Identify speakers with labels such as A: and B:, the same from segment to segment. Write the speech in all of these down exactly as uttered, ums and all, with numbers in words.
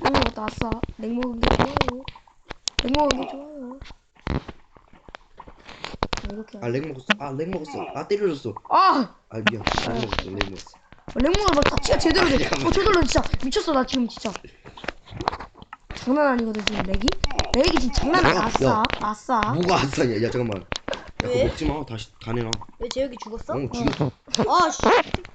A: 먹는 것도 아싸. 냉 먹은 게 좋아요. 냉 먹은 게 좋아요. 이렇게.
B: 아 렉 먹었어. 아 렉 먹었어. 아 때려줬어.
A: 아!
B: 아 미안. 렉 먹었어. 렉 먹었어.
A: 렉 먹으면 막 터치가 제대로 돼. 어 저절로 진짜 미쳤어 나 지금 진짜. 장난 아니거든 지금 렉이? 렉이 지금 장난 아니야. 아싸.
B: 야.
A: 아싸.
B: 뭐가 아싸냐? 야 잠깐만. 야 그거
C: 왜?
B: 먹지 마. 다시 다 내놔.
C: 왜 재혁이 죽었어?
B: 어 죽였어.
C: 아 씨.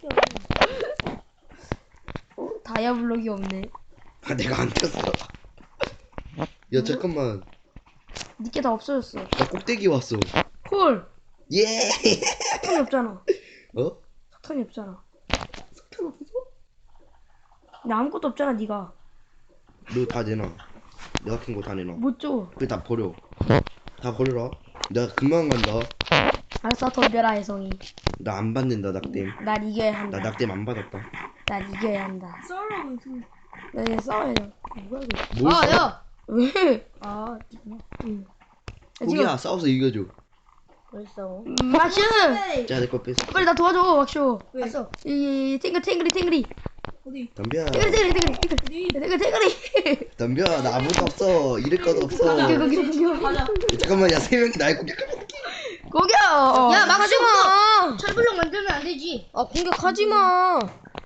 A: 어, 다이아블록이 없네.
B: 아 내가 안 탔어. 야 잠깐만.
A: 니께 다 없어졌어.
B: 나 꼭대기 왔어.
A: 헐.
B: 예.
A: 석탄이 없잖아.
B: 어?
A: 석탄이 없잖아. 석탄 없어? 나 아무것도 없잖아 니가.
B: 너 다 내놔. 내가 캔 거 다 내놔.
A: 못 줘.
B: 그래 다 버려. 다 버려라. 내가 금방 간다.
A: 알았어 덤벼라 혜성이.
B: 나 안 받는다 낙댐.
A: 날 이겨야 한다.
B: 나 낙댐 안 받았다.
A: 날 이겨야 한다.
C: 썰어.
A: 나 이제 싸워야죠. 뭐야 이거.
B: 뭘
C: 아
B: 써?
C: 야.
A: 왜?
C: 아 지금
A: 응. 야,
B: 포기야 싸워서 이겨줘.
C: 왜 싸워?
A: 음, 막슈!
B: 자 내 거 뺐어.
A: 빨리 나 도와줘 막슈.
C: 왜? 왔어.
A: 이 탱글 탱글이 탱글이
C: 어디?
B: 덤벼.
A: 탱글이 탱글이 탱글이 탱글 탱글이.
B: 덤벼. 나 아무것도 없어. 잃을 것도 없어.
A: 거기 거기 거기.
C: 가자.
B: 잠깐만 야 세 명이 날 공격하면
A: 거기야.
C: 야, 막슈!
A: 하지 마.
C: 철블럭 만들면 안 되지.
A: 아 공격하지 마.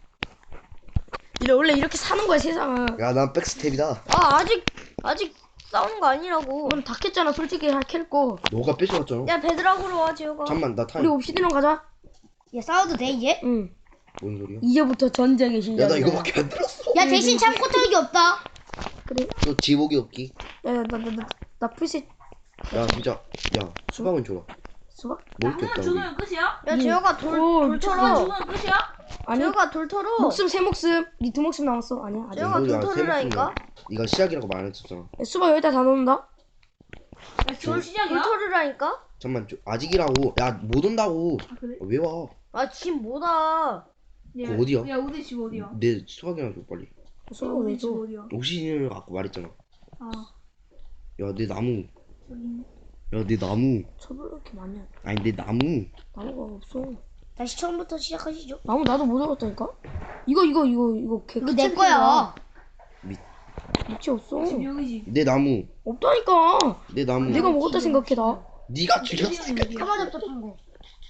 A: 이래 원래 이렇게 사는 거야 세상은.
B: 야난 백스텝이다.
C: 아 아직 아직 싸우는 거 아니라고.
A: 오늘 다 캤잖아 솔직히 캘 거.
B: 너가 뺏어왔잖아.
C: 야 베드락으로 와 재혁아.
B: 잠만 나 타임.
A: 우리 옵시디랑 가자.
C: 야 싸워도 돼 이제?
A: 응.
B: 뭔 소리야?
A: 이제부터 전쟁의 시작.
B: 야 나 이거밖에 안 들었어.
C: 야 대신 참고 털기 없다.
A: 그래.
B: 또 지복이 없기.
A: 야나나나나 풀셋
B: 야 진짜. 야 수박은 줘라.
A: 수박?
B: 먹을 게 없다 우리.
D: 죽으면 끝이야?
C: 야
A: 응.
C: 재혁아 돌
A: 오,
C: 돌
D: 죽으면
C: 털어.
D: 죽으면 끝이야?
A: 아니
C: 재혁아 돌 털어.
A: 목숨 세 목숨. 니 두 목숨 남았어. 아니야 아직.
C: 재혁아
B: 뭔 소리야,
C: 돌
B: 세
C: 털으라니까.
B: 목숨이야. 네가 시작이라고 말했었잖아.
A: 야, 수박 여기다 다 넣는다.
D: 야,
C: 돌
D: 돌 시작이야?
C: 돌 털으라니까.
B: 잠만 좀 아직이라고. 야 못 온다고.
D: 아, 그래?
B: 아, 왜 와?
C: 아 지금 뭐다.
D: 야,
B: 그거 어디야?
D: 야 우리 집 어디야?
B: 내 수박이나 줘 빨리.
A: 수박
D: 우리
A: 왜
D: 집
A: 줘?
D: 어디야?
B: 옥시즌을 갖고 말했잖아.
D: 아
B: 야 내 나무.
D: 저기 있네.
B: 야 내 나무.
A: 저걸 이렇게 많이 한.
B: 아니 내 나무.
A: 나무가 없어.
C: 다시 처음부터 시작하시죠.
A: 나무 나도 못 얻었다니까. 이거 이거 이거 이거 개.
C: 이거 내 거야.
A: 밑이 없어.
D: 집 여기지.
B: 내 나무.
A: 없다니까.
B: 내 나무.
A: 내가 먹었다 생각해 나.
B: 네가 죽였어.
C: 가마 잡잡한 거.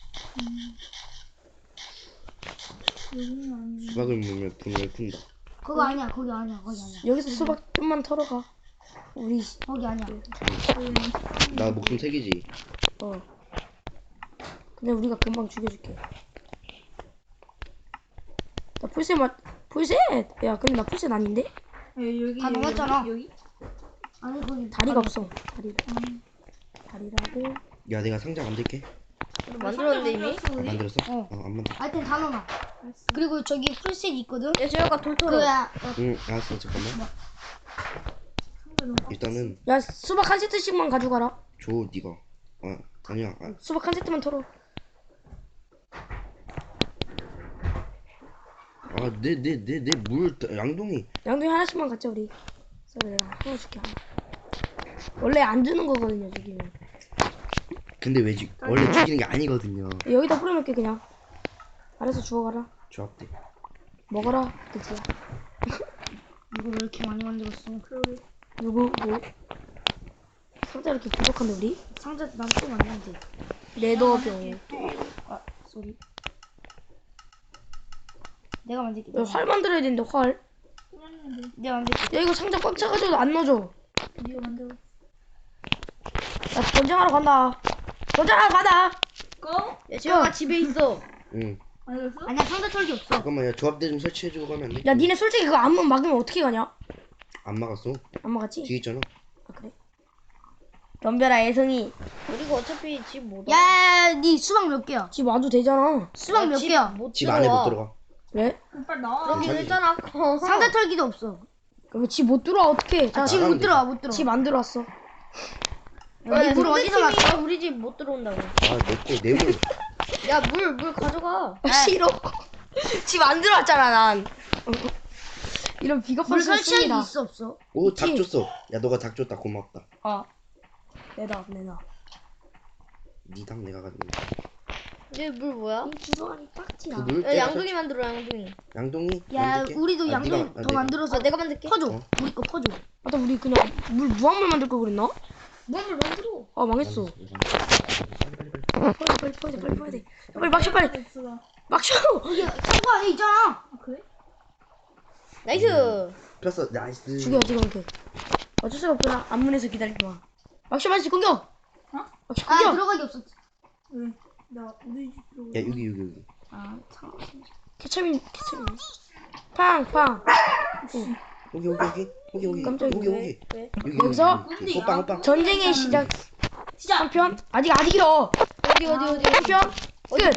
D: 여기는 아니지.
B: 수박을 먹으면 분을 푼다.
C: 그거 아니야. 거기 아니야. 거기 아니야.
A: 여기서 수박 좀만 털어가. 우리
C: 거기 아니야.
B: 나 목숨 세 개지.
A: 어. 근데 우리가 금방 죽여줄게. 나 풀셋 맞 풀셋. 야 근데 나 풀셋 아닌데?
D: 야, 여기
C: 다
D: 여기,
C: 넘었잖아.
D: 여기?
C: 아니 거기
A: 다리가 없어. 다리. 다리라고.
B: 야 내가 상자 만들게.
C: 만들었는데 이미.
D: 만들었어,
B: 아,
D: 우리?
B: 만들었어?
C: 어.
B: 어, 안 만들.
C: 하여튼 다 넣어놔.
D: 알았어.
C: 그리고 저기 풀셋 있거든.
A: 야 재혁아 돌 털어.
C: 그야.
B: 응 알았어 잠깐만.
D: 상자 너무
B: 일단은
A: 야 수박 한 세트씩만 가져가라.
B: 줘 네가. 아 아니야. 아,
A: 수박 한 세트만 털어.
B: 아내 내 내 내 물 양동이.
A: 양동이 하나씩만 갖자 우리. 그래 내가 하나 줄게 하나. 원래 안 주는 거거든요 저기는.
B: 근데 왜 지? 원래 죽이는 게 아니거든요.
A: 여기다 뿌려놓게 그냥. 알아서 주워가라.
B: 조합대.
A: 먹어라 그치야.
C: 이거 왜 이렇게 많이 만들었어?
A: 누구 뭐? 상자 이렇게 부족한데 우리?
C: 상자 난또 만들면 돼.
A: 레더병.
C: 아 쏘리. 내가 만들게.
A: 야, 활 만들어야 되는데 활.
D: 뿌렸는데
C: 내가 만들게.
A: 야 이거 상자 꽉 차가지고 안 넣어줘.
D: 네가 만들어.
A: 야 전쟁하러 간다. 전쟁하러 간다.
D: 꺼?
C: 야 재혁아 집에 있어.
B: 응.
D: 만들었어?
C: 아니야 상자 털기 없어.
B: 잠깐만 야 조합대 좀 설치해주고 가면 안 돼?
A: 야 니네 솔직히 그거 안만 막으면 어떻게 가냐?
B: 안 막았어.
A: 안 막았지?
B: 뒤에 있잖아.
A: 아 그래? 덤벼라 애성이.
C: 그리고 어차피 집 못.
A: 야니
C: 수박 몇 개야?
A: 집 와도 되잖아.
C: 수박 몇 개야?
D: 못
B: 집 안에 못 들어가.
A: 왜?
D: 그럼 빨리 나와.
C: 그럼
B: 자기-
C: 됐잖아. 상자 털기도 없어.
A: 그럼 집 못 들어와 어떡해? 자,
C: 아, 집
B: 나가면
C: 못 들어와 못 들어와.
A: 집 안 들어왔어.
C: 야, 물 어디서 났어? 우리 집 못 들어온다고.
B: 아내거내 물.
C: 야 물 물 가져가.
A: 아, 싫어. 집 안 들어왔잖아 난. 이런 비겁한
C: 물
A: 소리
C: 설치하기
A: 씁니다.
C: 있어 없어?
B: 오 닭
A: 있지.
B: 줬어. 야 너가 닭 줬다 고맙다.
A: 아 내놔 내놔.
B: 네 닭 내가 가지고. 있어.
C: 얘 물 뭐야?
A: 이 주소하니 빡지야.
B: 물
C: 야, 양동이 만들어 양동이.
B: 양동이
A: 야,
B: 만들게?
A: 우리도
B: 아,
A: 양동
B: 네가- 아,
A: 더
B: 내가.
A: 만들어서
C: 아 내가 만들게.
A: 퍼줘.
B: 어.
A: 우리 거 퍼줘. 아까 우리 그냥 물 무한물 만들 걸 그랬나?
D: 무한물 만들어.
A: 아 망했어.
B: 빨리, 빨리, 빨리.
A: 빨리 빨리 빨리 빨리 빨리 빨리 막셔 빨리
D: 됐어.
A: 막셔.
C: 이게 창고 안에 있잖아.
D: 아 그래?
C: 나이스.
B: 폈어. 나이스.
A: 죽여 지금 그. 어쩔 수가 없구나. 앞문에서 기다리지 마. 막셔 맞지 공격.
D: 어?
A: 막셔
C: 아
A: 공격.
C: 들어가기 없었지.
D: 왜? 나 우리 집으로.
B: 야 여기 여기 여기.
D: 아 참.
A: 케첩이 케첩이. 팡팡.
B: 여기 여기 여기 여기 여기
A: 깜짝이야.
B: 여기 여기
C: 왜?
B: 여기
A: 여기서
B: 여기. 호빵 호빵.
A: 전쟁의 시작. 한편 아직 아직이요.
C: 어디 어디 어디.
A: 한편 끝.